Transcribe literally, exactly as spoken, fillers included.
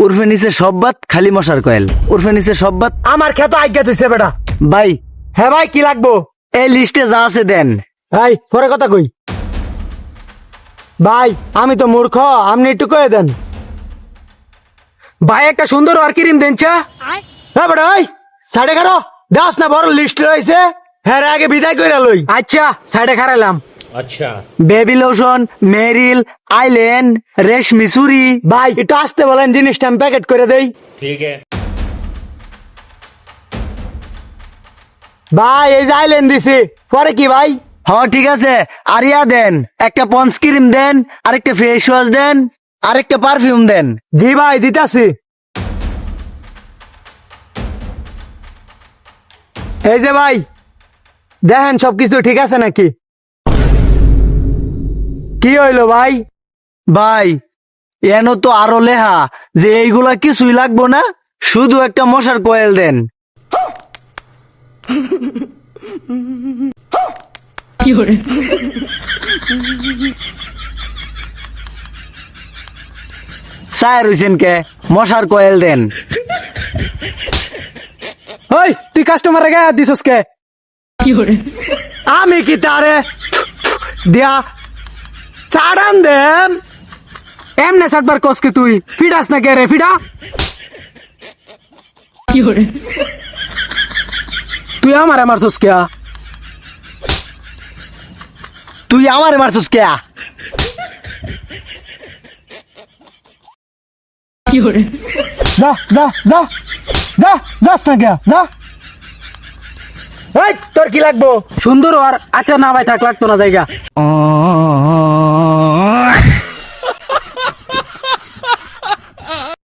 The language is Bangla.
উর্ফে নিচে সব বাত খালি মশার কয়েল। উর্ফে নিচে সব বাত। আমার খেত আজ্ঞা দিছে বেটা। ভাই হ্যাঁ ভাই, কি লাগবো? এই লিস্টে যা আছে দেন। ভাই পরে কথা কই। ভাই আমি তো মূর্খ, আপনি একটু কয়ে দেন। ভাই একটা সুন্দর আর ক্রিম দেন চা। হ্যাঁ বেটা, ওই সাড়ে এগারো দাস না বড় লিস্ট রয়েছে। হ্যাঁ রে, আগে বিদায় করে লই। আচ্ছা সাইডে খারাইলাম। अच्छा বেবি লোশন, মেরিল, আইল্যান্ড, রেশমি চুরি। ভাই একটু আসতে বলেন, জিনিসটা আমি প্যাকেট করে দেই। ठीक है ভাই এই যে আইলেন দিছি, পরে কি ভাই? হ্যাঁ ঠিক আছে, আরিয়া দেন, একটা পন্স ক্রিম দেন, আরেকটা ফেস ওয়াশ দেন, আরেকটা পারফিউম দেন। জি ভাই দিতাছি। এই যে ভাই দেখেন সবকিছু ঠিক আছে নাকি? কি হইলো ভাই? ভাই এন তো আরো লেহা যে এইগুলা কিছুই লাগবো না, শুধু একটা মশার কয়েল দেন। সায়ের হইছেন কে, মশার কয়েল দেন। ওই তুই কাস্টমার গায়ে হাত দিছস কে? আমি কি তারে দিয়া চাড়ান দেন? এমনে সাতবার কসকে তুই ফিডাস না কে রে ফিডা? তুই আমার আমার সস কে? তুই আমারে মারছস কে? যা যা যা যা যাস না কে যা। এই তোর কি লাগবো? সুন্দর আর আচ্ছা না ভাই থাক লাগতো না জায়গা।